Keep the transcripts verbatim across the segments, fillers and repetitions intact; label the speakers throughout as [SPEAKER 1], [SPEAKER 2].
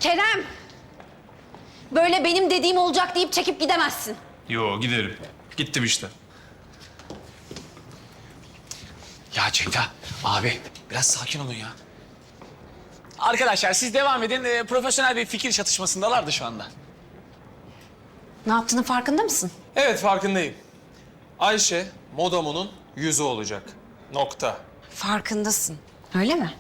[SPEAKER 1] Kerem! Böyle benim dediğim olacak deyip çekip gidemezsin.
[SPEAKER 2] Yo giderim. Gittim işte.
[SPEAKER 3] Ya Ceyda, abi biraz sakin olun ya. Arkadaşlar siz devam edin. Ee, profesyonel bir fikir çatışmasındalardı şu anda.
[SPEAKER 1] Ne yaptığının farkında mısın?
[SPEAKER 2] Evet farkındayım. Ayşe Modamo'nun yüzü olacak. Nokta.
[SPEAKER 1] Farkındasın. Öyle mi?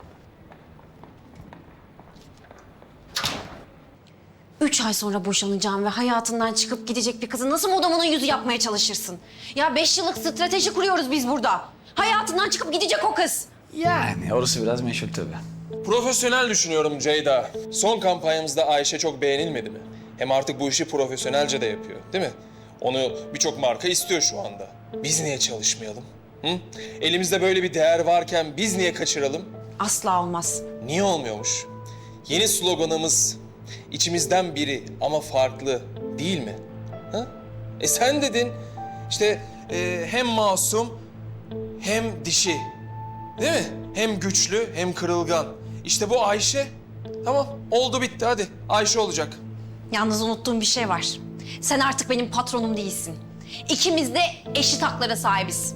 [SPEAKER 1] Üç ay sonra boşanacağım ve hayatından çıkıp gidecek bir kızı nasıl Modamo'nun yüzü yapmaya çalışırsın? Ya beş yıllık strateji kuruyoruz biz burada. Hayatından çıkıp gidecek o kız.
[SPEAKER 3] Yani orası biraz meşhur tabii.
[SPEAKER 2] Profesyonel düşünüyorum Ceyda. Son kampanyamızda Ayşe çok beğenilmedi mi? Hem artık bu işi profesyonelce de yapıyor, değil mi? Onu birçok marka istiyor şu anda. Biz niye çalışmayalım? Hı? Elimizde böyle bir değer varken biz niye kaçıralım?
[SPEAKER 1] Asla olmaz.
[SPEAKER 2] Niye olmuyormuş? Yeni sloganımız içimizden biri ama farklı değil mi? Ha? E sen dedin işte e, hem masum hem dişi. Değil mi? Hem güçlü hem kırılgan. İşte bu Ayşe. Tamam oldu bitti hadi. Ayşe olacak.
[SPEAKER 1] Yalnız unuttuğum bir şey var. Sen artık benim patronum değilsin. İkimiz de eşit haklara sahibiz.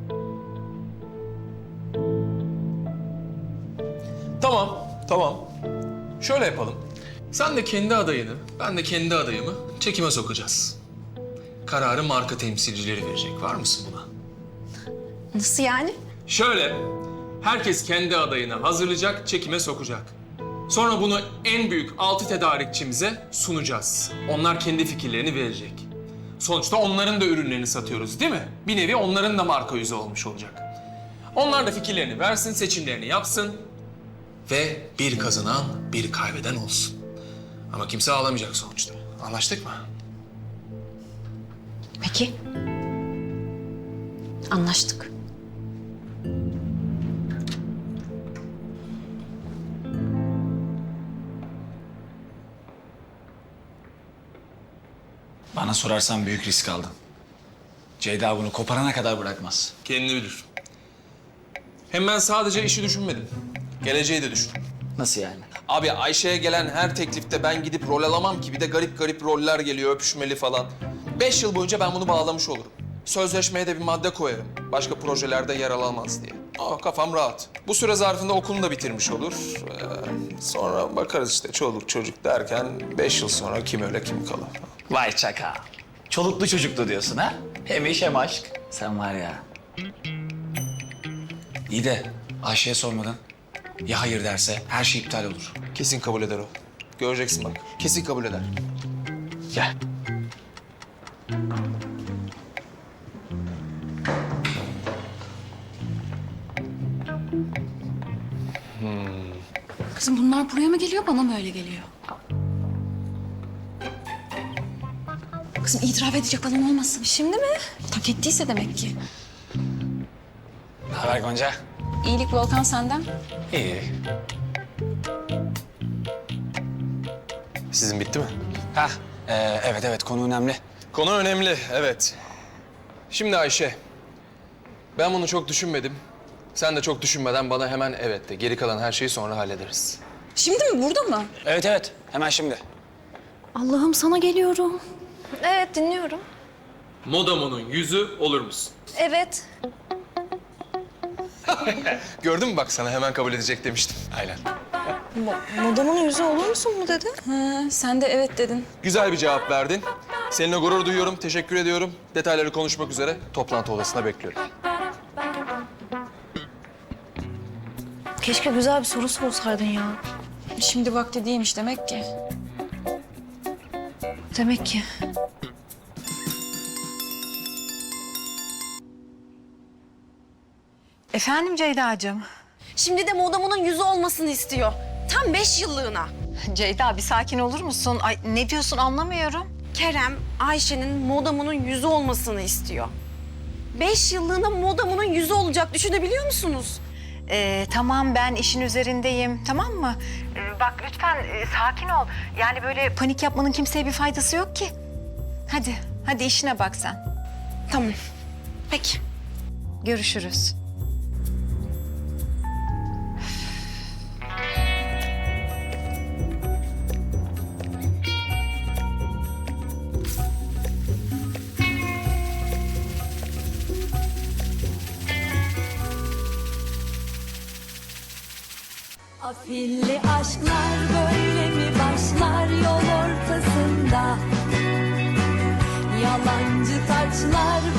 [SPEAKER 2] Tamam, tamam. Şöyle yapalım. Sen de kendi adayını, ben de kendi adayımı çekime sokacağız. Kararı marka temsilcileri verecek. Var mısın buna?
[SPEAKER 1] Nasıl yani?
[SPEAKER 2] Şöyle, herkes kendi adayını hazırlayacak, çekime sokacak. Sonra bunu en büyük altı tedarikçimize sunacağız. Onlar kendi fikirlerini verecek. Sonuçta onların da ürünlerini satıyoruz değil mi? Bir nevi onların da marka yüzü olmuş olacak. Onlar da fikirlerini versin, seçimlerini yapsın. Ve bir kazanan, bir kaybeden olsun. Ama kimse ağlamayacak sonuçta. Anlaştık mı?
[SPEAKER 1] Peki. Anlaştık.
[SPEAKER 3] Bana sorarsan büyük risk aldın. Ceyda bunu koparana kadar bırakmaz.
[SPEAKER 2] Kendini bilir. Hem ben sadece işi düşünmedim. Geleceği de düşündüm.
[SPEAKER 3] Nasıl yani?
[SPEAKER 2] Abi Ayşe'ye gelen her teklifte ben gidip rol alamam ki. Bir de garip garip roller geliyor, öpüşmeli falan. Beş yıl boyunca ben bunu bağlamış olurum. Sözleşmeye de bir madde koyarım. Başka projelerde yer alamaz diye. Aa, kafam rahat. Bu süre zarfında okulunu da bitirmiş olur. Ee, sonra bakarız işte çoluk çocuk derken beş yıl sonra kim öyle kim kalır.
[SPEAKER 3] Vay çaka. Çoluklu çocuklu diyorsun ha? Hem iş hem aşk. Sen var ya. İyi de Ayşe'ye sormadın. Ya hayır derse her şey iptal olur.
[SPEAKER 2] Kesin kabul eder o. Göreceksin bak. Kesin kabul eder.
[SPEAKER 3] Gel.
[SPEAKER 4] Kızım bunlar buraya mı geliyor, bana mı öyle geliyor? Kızım itiraf edecek falan olmasın. Şimdi mi? Tak ettiyse demek ki.
[SPEAKER 3] Ne haber Gonca?
[SPEAKER 4] İyilik Volkan senden.
[SPEAKER 3] İyi.
[SPEAKER 2] Sizin bitti mi?
[SPEAKER 3] Hah, e, evet evet konu önemli.
[SPEAKER 2] Konu önemli, evet. Şimdi Ayşe, ben bunu çok düşünmedim. Sen de çok düşünmeden bana hemen evet de. Geri kalan her şeyi sonra hallederiz.
[SPEAKER 4] Şimdi mi, burada mı?
[SPEAKER 3] Evet evet hemen şimdi.
[SPEAKER 4] Allah'ım sana geliyorum.
[SPEAKER 1] Evet, dinliyorum.
[SPEAKER 2] Modamo'nun yüzü olur musun?
[SPEAKER 1] Evet.
[SPEAKER 2] Gördün mü bak sana hemen kabul edecek demiştim.
[SPEAKER 3] Aynen.
[SPEAKER 4] Modamonun yüzü olur musun mu dedi? Ha, sen de evet dedin.
[SPEAKER 2] Güzel bir cevap verdin. Seninle gurur duyuyorum, teşekkür ediyorum. Detayları konuşmak üzere toplantı odasına bekliyorum.
[SPEAKER 4] Keşke güzel bir soru sorsaydın ya. Şimdi vakti değilmiş demek ki. Demek ki.
[SPEAKER 5] Efendim Ceyda'cığım.
[SPEAKER 1] Şimdi de Modamo'nun yüzü olmasını istiyor. Tam beş yıllığına.
[SPEAKER 5] Ceyda bir sakin olur musun? Ay ne diyorsun anlamıyorum.
[SPEAKER 1] Kerem, Ayşe'nin Modamo'nun yüzü olmasını istiyor. Beş yıllığına Modamo'nun yüzü olacak. Düşünebiliyor musunuz?
[SPEAKER 5] Ee, tamam ben işin üzerindeyim tamam mı? Ee, bak lütfen e, sakin ol. Yani böyle panik yapmanın kimseye bir faydası yok ki. Hadi, hadi işine bak sen.
[SPEAKER 1] Tamam. Peki.
[SPEAKER 5] Görüşürüz.
[SPEAKER 6] Afilli aşklar böyle mi başlar yol ortasında? Yalancı taçlar